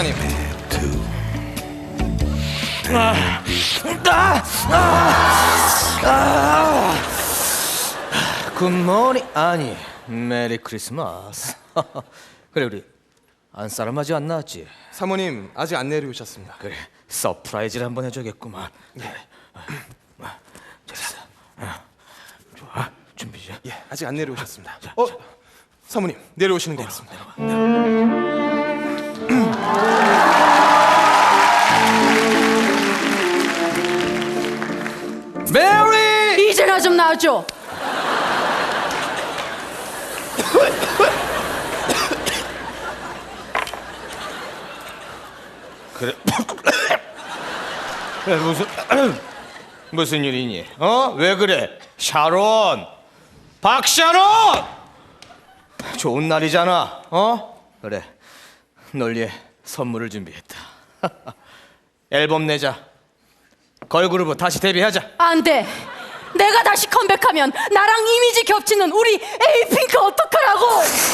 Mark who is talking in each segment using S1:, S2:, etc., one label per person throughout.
S1: 부사님.
S2: 굿모닝 아니 메리 크리스마스. 그래 우리 안사람 아직 안 나왔지?
S1: 사모님 아직 안 내려오셨습니다.
S2: 그래 서프라이즈를 한번 해줘야겠구만. 그래. 됐어. 좋아 준비 좀.
S1: 예, 아직 안 내려오셨습니다. 사모님 내려오시는 게 있습니다.
S2: 메리!
S3: 이제나 좀 나와줘.
S2: 그래. 그래 무슨 일이니? 왜 그래? 샤론, 박샤론! 좋은 날이잖아. 그래. 널 위해 선물을 준비했다. 앨범 내자. 걸그룹 다시 데뷔하자.
S3: 안 돼. 내가 다시 컴백하면 나랑 이미지 겹치는 우리 에이핑크 어떡하라고.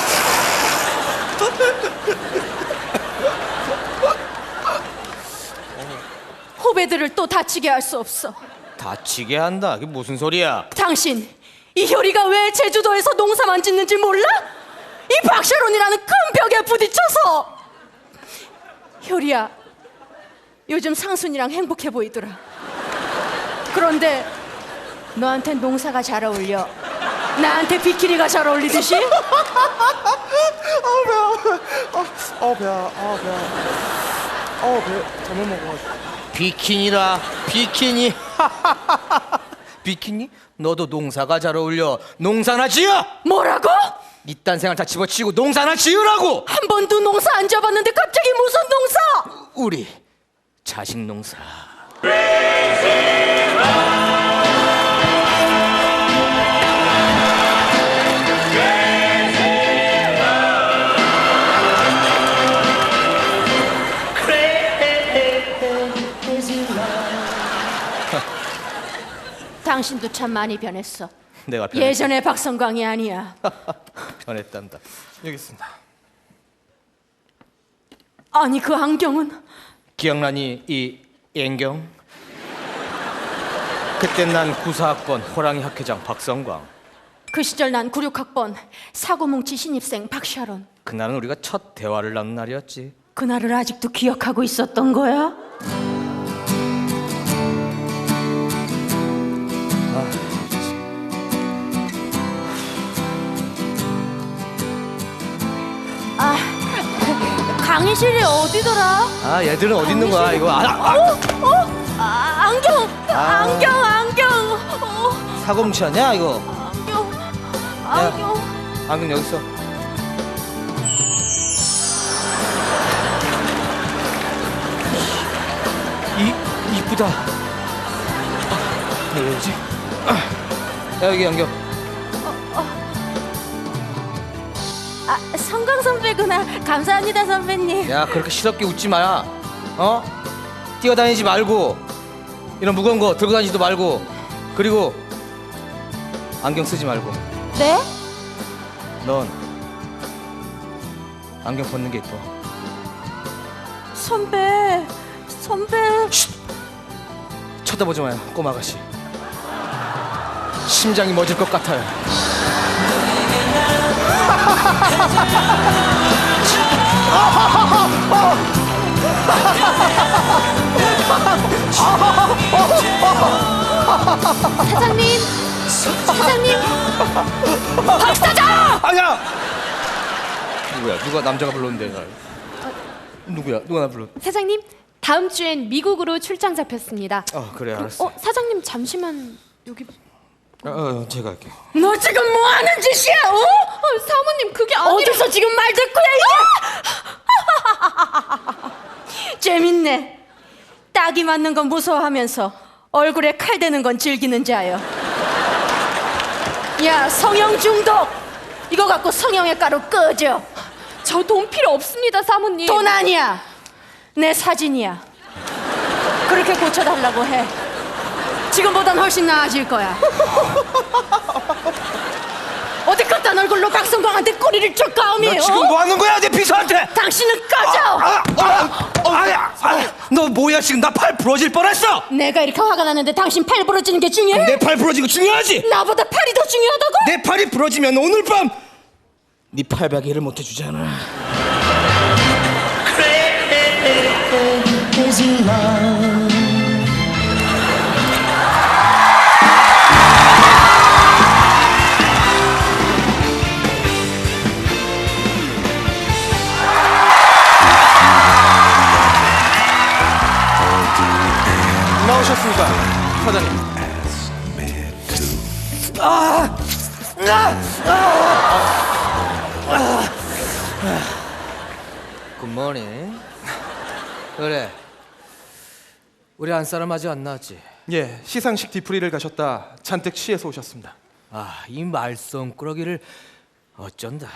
S3: 후배들을 또 다치게 할 수 없어.
S2: 다치게 한다. 그게 무슨 소리야?
S3: 당신 이효리가 왜 제주도에서 농사만 짓는지 몰라? 이 박샤론이라는 큰 벽에 부딪혀서. 효리야, 요즘 상순이랑 행복해 보이더라. 그런데 너한텐 농사가 잘 어울려. 나한테 비키니가 잘 어울리듯이.
S1: 배야. 배 잘못 먹어가지고.
S2: 비키니라. 비키니. 비키니? 너도 농사가 잘 어울려. 농사나 지어.
S3: 뭐라고?
S2: 이딴 생활 다 집어치우고 농사나 지으라고.
S3: 한 번도 농사 안 지어봤는데 갑자기 무슨 농사?
S2: 우리 자식 농사.
S3: 당신도 참 많이 변했어.
S2: 내가 변했다.
S3: 예전의 박성광이 아니야.
S2: 변했단다.
S1: 여기 있습니다.
S3: 아니 그 안경은?
S2: 기억나니 이 안경? 그때 난 94학번 호랑이 학회장 박성광.
S3: 그 시절 난 96학번 사고뭉치 신입생 박샤론.
S2: 그날은 우리가 첫 대화를 나눈 날이었지.
S3: 그날을 아직도 기억하고 있었던 거야? 강의실이 어디더라?
S2: 아 얘들은 어디 있는 거야 이거?
S3: 안경.
S2: 사고뭉치였냐 이거?
S3: 안경.
S2: 안경 여기 있어. 이쁘다. 여기지. 야 여기 안경.
S3: 성광 선배구나. 감사합니다 선배님.
S2: 야 그렇게 시럽게 웃지 마야. 뛰어다니지 말고 이런 무거운 거 들고 다니지도 말고. 그리고 안경 쓰지 말고.
S3: 네?
S2: 넌 안경 벗는 게 이뻐.
S3: 선배.
S2: 쳐다보지 마요 꼬마 아가씨. 심장이 멎을 것 같아요.
S3: 사장님. 박 사장!
S2: 아니야. 누구야? 누가 남자가 불렀는데 날? 누구야? 누가 나 불렀?
S4: 사장님, 다음 주엔 미국으로 출장 잡혔습니다.
S2: 그래 알았어.
S4: 사장님 잠시만 여기.
S2: 제가 할게요.
S3: 너 지금 뭐 하는 짓이야?
S4: 사모님 그게 아니라.
S3: 어디서 지금 말 듣고야 이게? 재밌네. 딱이 맞는 건 무서워하면서 얼굴에 칼 대는 건 즐기는 자요. 야 성형 중독. 이거 갖고 성형외 가루 꺼져.
S4: 저 돈 필요 없습니다, 사모님.
S3: 돈 아니야. 내 사진이야. 그렇게 고쳐달라고 해. 지금보단 훨씬 나아질 거야. 어디 그딴 얼굴로 박성광한테 꼬리를 쳐 까오미?
S2: 너 지금 뭐 하는 거야 내 비서한테?
S3: 당신은 꺼져!
S2: 너 뭐야 지금 나 팔 부러질 뻔했어.
S3: 내가 이렇게 화가 났는데 당신 팔 부러지는 게 중요해?
S2: 내 팔 부러진 거 중요하지?
S3: 나보다 팔이 더 중요하다고?
S2: 내 팔이 부러지면 오늘 밤 네 팔베개를 못 해주잖아.
S1: 나오셨습니까, 사장님?
S2: 굿모닝. 그래, 우리 안 사람 아직 안 나왔지?
S1: 예, 시상식 뒤풀이를 가셨다 잔뜩 취해서 오셨습니다.
S2: 아, 이 말썽꾸러기를 어쩐다.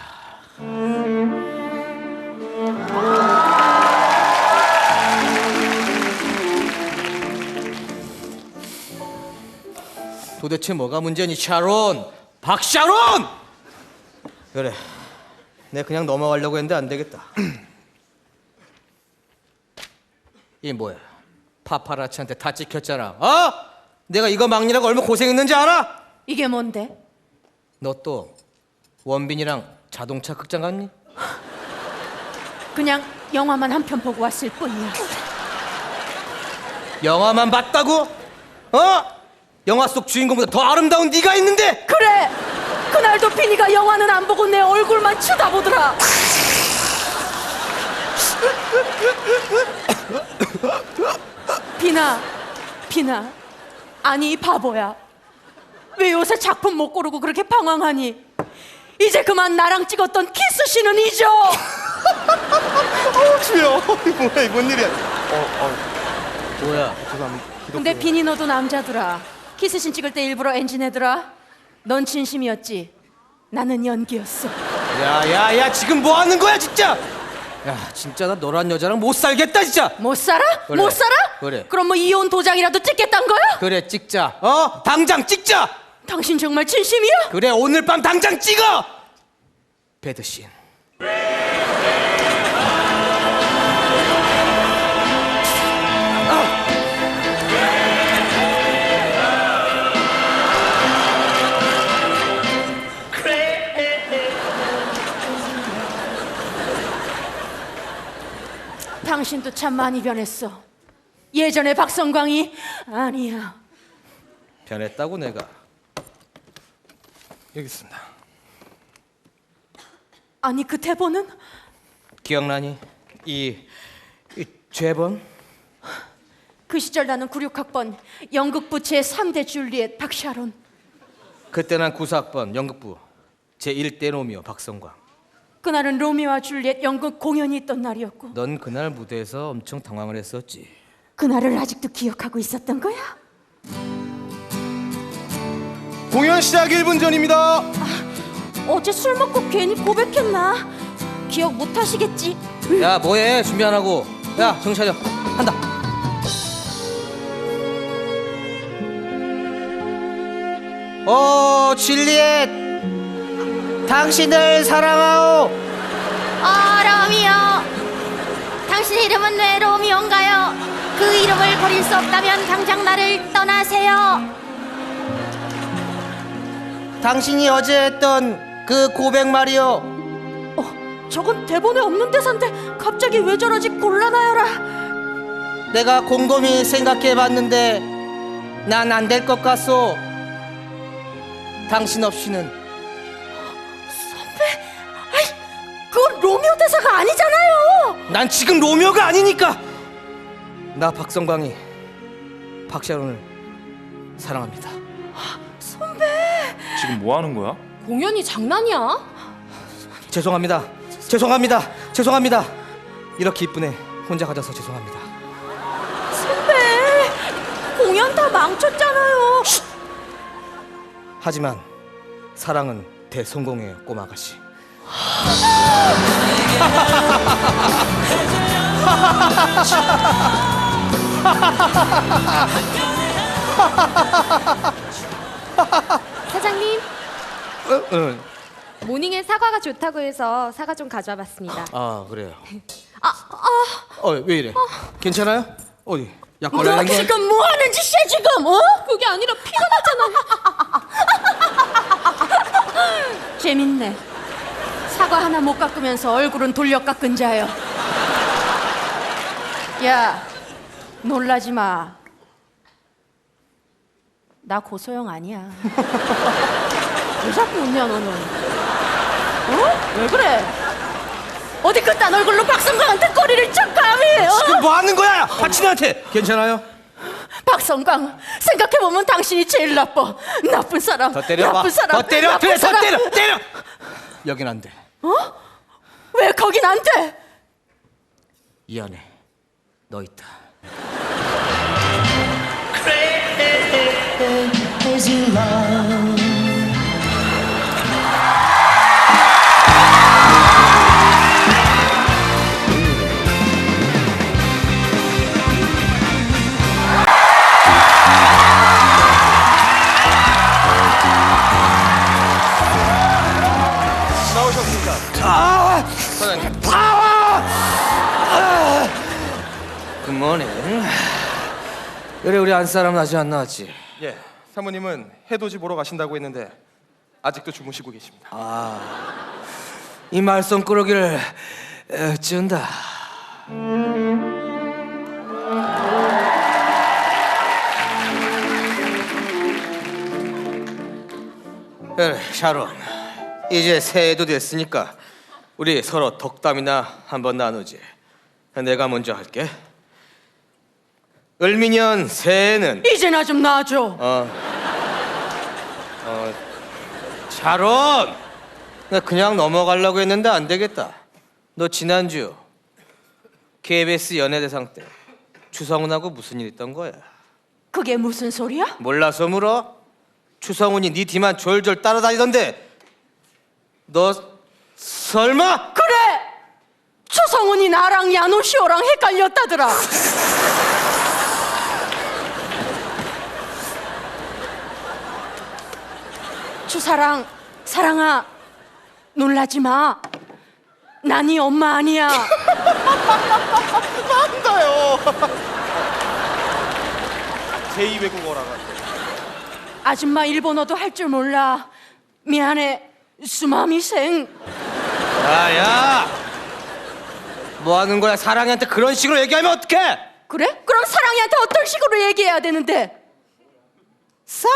S2: 도대체 뭐가 문제니, 샤론? 박샤론! 그래, 내가 그냥 넘어가려고 했는데 안 되겠다. 이게 뭐야? 파파라치한테 다 찍혔잖아. 어? 내가 이거 막느라고 얼마나 고생했는지 알아?
S3: 이게 뭔데?
S2: 너 또 원빈이랑 자동차 극장 갔니?
S3: 그냥 영화만 한 편 보고 왔을 뿐이야.
S2: 영화만 봤다고? 어? 영화 속 주인공보다 더 아름다운 네가 있는데?
S3: 그래! 그날도 비니가 영화는 안 보고 내 얼굴만 쳐다보더라. 비나, 아니 이 바보야. 왜 요새 작품 못 고르고 그렇게 방황하니? 이제 그만 나랑 찍었던 키스씬은 잊어.
S1: 주여, 뭐야, 뭔 일이야?
S2: 뭐야?
S1: 죄송합니다.
S3: 근데 비니 너도 남자더라. 키스씬 찍을 때 일부러 엔진 해더라. 넌 진심이었지. 나는 연기였어.
S2: 야야야, 지금 뭐 하는 거야 진짜? 야, 진짜 나 너란 여자랑 못 살겠다 진짜.
S3: 못 살아?
S2: 그래.
S3: 못 살아?
S2: 그래.
S3: 그럼 뭐 이혼 도장이라도 찍겠단 거야?
S2: 그래, 찍자. 어? 당장 찍자.
S3: 당신 정말 진심이야?
S2: 그래, 오늘 밤 당장 찍어. 배드씬.
S3: 당신도 참 많이 변했어. 예전에 박성광이 아니야.
S2: 변했다고 내가.
S1: 여기 있습니다.
S3: 아니 그 대본은?
S2: 기억나니? 이 죄범?
S3: 그 시절 나는 96학번 연극부 제3대 줄리엣 박샤론.
S2: 그때 난 94학번 연극부 제1대 로미오 박성광.
S3: 그날은 로미오와 줄리엣 연극 공연이 있던 날이었고
S2: 넌 그날 무대에서 엄청 당황을 했었지.
S3: 그날을 아직도 기억하고 있었던 거야?
S1: 공연 시작 1분 전입니다.
S3: 어제 술 먹고 괜히 고백했나? 기억 못 하시겠지?
S2: 야, 뭐해? 준비 안 하고. 야, 정신 차려. 한다. 줄리엣, 당신을 사랑하오.
S5: 로미오. 당신 이름은 왜 로미오인가요? 그 이름을 버릴 수 없다면 당장 나를 떠나세요.
S2: 당신이 어제 했던 그 고백 말이오.
S3: 저건 대본에 없는 대사인데 갑자기 왜 저러지 곤란하여라.
S2: 내가 곰곰이 생각해봤는데 난 안 될 것 같소. 당신 없이는.
S3: 그건 로미오 대사가 아니잖아요.
S2: 난 지금 로미오가 아니니까. 나 박성광이 박샤론을 사랑합니다.
S6: 지금 뭐 하는 거야?
S4: 공연이 장난이야?
S2: 죄송합니다. 이렇게 이쁜 애 혼자 가져서 죄송합니다.
S3: 선배, 공연 다 망쳤잖아요.
S2: 하지만 사랑은 대성공이에요, 꼬마 아가씨.
S4: 사장님, 모닝에 사과가 좋다고 해서 사과 좀 가져와 봤습니다.
S2: 아 그래요.
S4: 아,
S2: 왜 이래? 괜찮아요? 어디? 약
S3: 너
S2: 걸려는 거야?
S3: 지금 뭐 하는 짓이야 지금? 어?
S4: 그게 아니라 피가 나잖아.
S3: 재밌네. 사과 하나 못 깎으면서 얼굴은 돌려 깎은 자요. 야, 놀라지 마. 나 고소영 아니야. 왜 자꾸 웃냐 너는? 어? 왜 그래? 어디 그딴 얼굴로 박성광한테 꼬리를 쭉 감히? 어?
S2: 지금 뭐 하는 거야? 하친한테 괜찮아요?
S3: 박성광, 생각해보면 당신이 제일 나빠. 나쁜 사람.
S2: 더 때려봐.
S3: 나쁜 사람.
S2: 더 때려.
S3: 나쁜
S2: 그래, 더
S3: 사람.
S2: 때려. 여긴 안 돼.
S3: 왜 거긴 안 돼?
S2: 이 안에 너 있다.
S1: 나오셨습니다. 사장님.
S2: 굿모닝. 그래 우리 안 사람은 아직 안 나왔지.
S1: 예, 사모님은 해돋이 보러 가신다고 했는데 아직도 주무시고 계십니다.
S2: 이 말썽꾸러기를 찌운다. 그래 샤론, 이제 새해도 됐으니까 우리 서로 덕담이나 한번 나누지. 내가 먼저 할게. 을미년 새해는
S3: 이제나 좀 놔줘.
S2: 샤론, 나 그냥 넘어가려고 했는데 안 되겠다. 너 지난주 KBS 연예대상 때 추성훈하고 무슨 일 있던 거야?
S3: 그게 무슨 소리야?
S2: 몰라서 물어? 추성훈이 네 뒤만 졸졸 따라다니던데 너 설마?
S3: 그래! 추성훈이 나랑 야노시오랑 헷갈렸다더라. 추사랑, 사랑아, 놀라지 마. 난 네 엄마 아니야.
S1: 맞아요. 제2 외국어라가.
S3: 아줌마 일본어도 할 줄 몰라. 미안해, 수마미생.
S2: 야야, 뭐 하는 거야? 사랑이한테 그런 식으로 얘기하면 어떡해?
S3: 그래? 그럼 사랑이한테 어떤 식으로 얘기해야 되는데?
S2: 사랑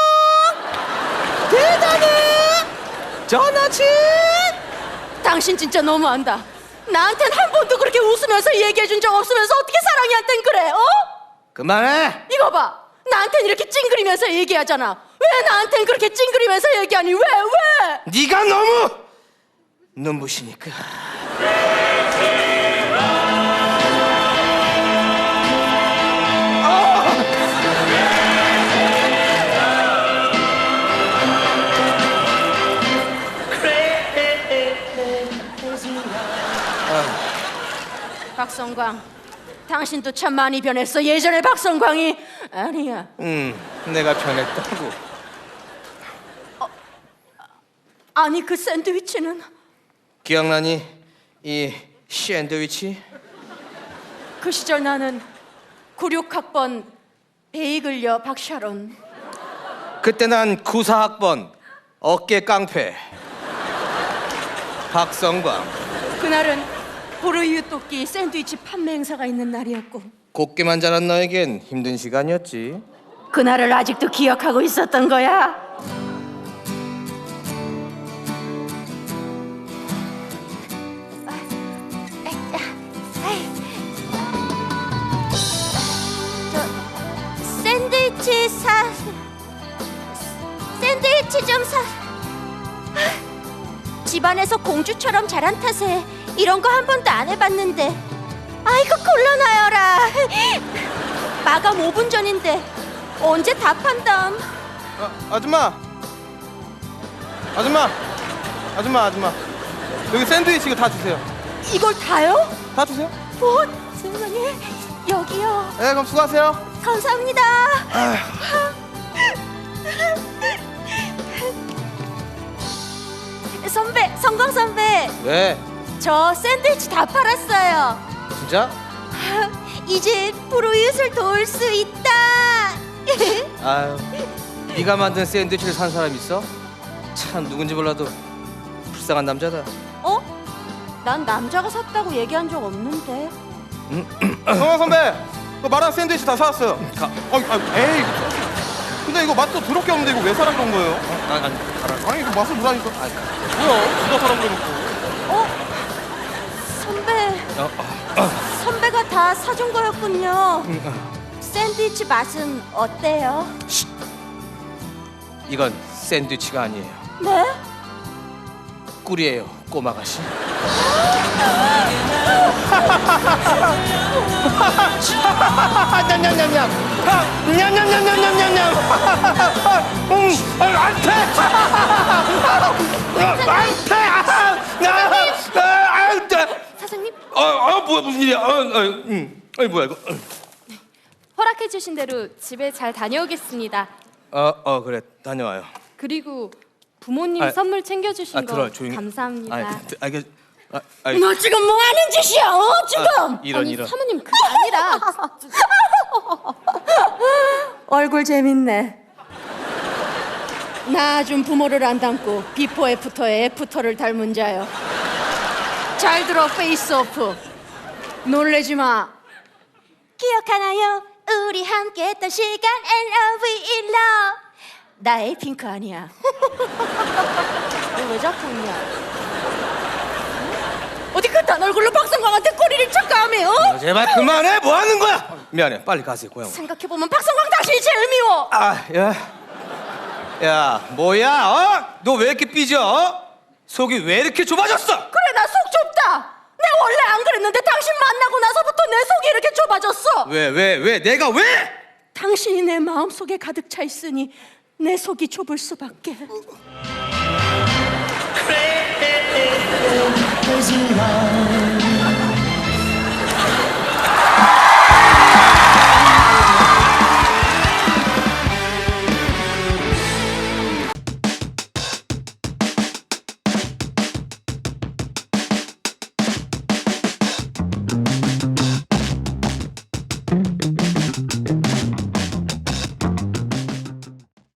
S2: 대단해 전화친.
S3: 당신 진짜 너무한다. 나한텐 한 번도 그렇게 웃으면서 얘기해준 적 없으면서 어떻게 사랑이한텐 그래? 어?
S2: 그만해.
S3: 이거 봐. 나한텐 이렇게 찡그리면서 얘기하잖아. 왜 나한텐 그렇게 찡그리면서 얘기하니? 왜?
S2: 네가 너무 눈부시니까.
S3: 박성광, 당신도 참 많이 변했어. 예전에 박성광이 아니야.
S2: 내가 변했다고.
S3: 아니 그 샌드위치는
S2: 기억나니? 이 샌드위치?
S3: 그 시절 나는 96학번 베이글녀 박샤론.
S2: 그때 난 94학번 어깨 깡패 박성광.
S3: 그날은 보르유 토끼 샌드위치 판매 행사가 있는 날이었고
S2: 곱게만 자란 너에겐 힘든 시간이었지.
S3: 그날을 아직도 기억하고 있었던 거야.
S5: 샌드위치 좀 사. 집안에서 공주처럼 자란 탓에 이런 거 한 번도 안 해봤는데. 아이고 곤란하여라. 마감 5분 전인데 언제 다 판담?
S1: 아줌마. 여기 샌드위치 이거 다 주세요.
S3: 이걸 다요?
S1: 다 주세요.
S5: 뭐 세상에 여기요.
S1: 네, 그럼 수고하세요.
S5: 감사합니다. 성광 선배,
S2: 왜?
S5: 저 샌드위치 다 팔았어요.
S2: 진짜?
S5: 이제 프로이웃을 도울 수 있다.
S2: 아유, 네가 만든 샌드위치를 산 사람 있어? 참 누군지 몰라도 불쌍한 남자다.
S5: 어? 난 남자가 샀다고 얘기한 적 없는데.
S1: 성광 선배, 그 말한 샌드위치 다 사왔어요. 에이. 근데 이거 맛도 더럽게 없는데 이거 왜 사라 그런 거예요? 아니 이거 맛을 보라니까. 뭐야? 누가 사라 그래놓고.
S5: 선배, 선배가 다 사준 거였군요. 샌드위치 맛은 어때요?
S2: 이건 샌드위치가 아니에요.
S5: 네?
S2: 꿀이에요, 꼬마가씨.
S6: 냠냠냠냠. 냠냠냠냠냠냠. 안돼. 안돼.
S4: 사장님,
S2: 뭐야 무슨 일이야? 아니 뭐야 이거?
S4: 허락해 주신 대로 집에 잘 다녀오겠습니다.
S2: 그래 다녀와요.
S4: 그리고 부모님
S2: 아,
S4: 선물 챙겨주신 거
S2: 들어와, 조용히.
S4: 감사합니다.
S3: 너 지금 뭐 하는 짓이야? 지금?
S2: 이런.
S4: 사모님 그게 아니라
S3: 얼굴 재밌네. 나 좀 부모를 안 닮고 비포 애프터에 애프터를 닮은 자요. 잘 들어 페이스 오프. 놀래지 마.
S5: 기억하나요? 우리 함께했던 시간 and we in love. 나 에이핑크 아니야. 너 왜 자꾸 웃냐?
S3: 어디 그딴 얼굴로 박성광한테 꼬리를 척감해? 어?
S2: 제발 그만해. 뭐 하는 거야? 미안해. 빨리 가세요 고향.
S3: 생각해보면 박성광 당신이 제일 미워.
S2: 야 뭐야? 너 왜 이렇게 삐져? 속이 왜 이렇게 좁아졌어?
S3: 그래 나 속 좁다. 내가 원래 안 그랬는데 당신 만나고 나서부터 내 속이 이렇게 좁아졌어.
S2: 왜? 내가 왜?
S3: 당신이 내 마음속에 가득 차 있으니 내 속이 좁을 수밖에.
S6: Crazy love.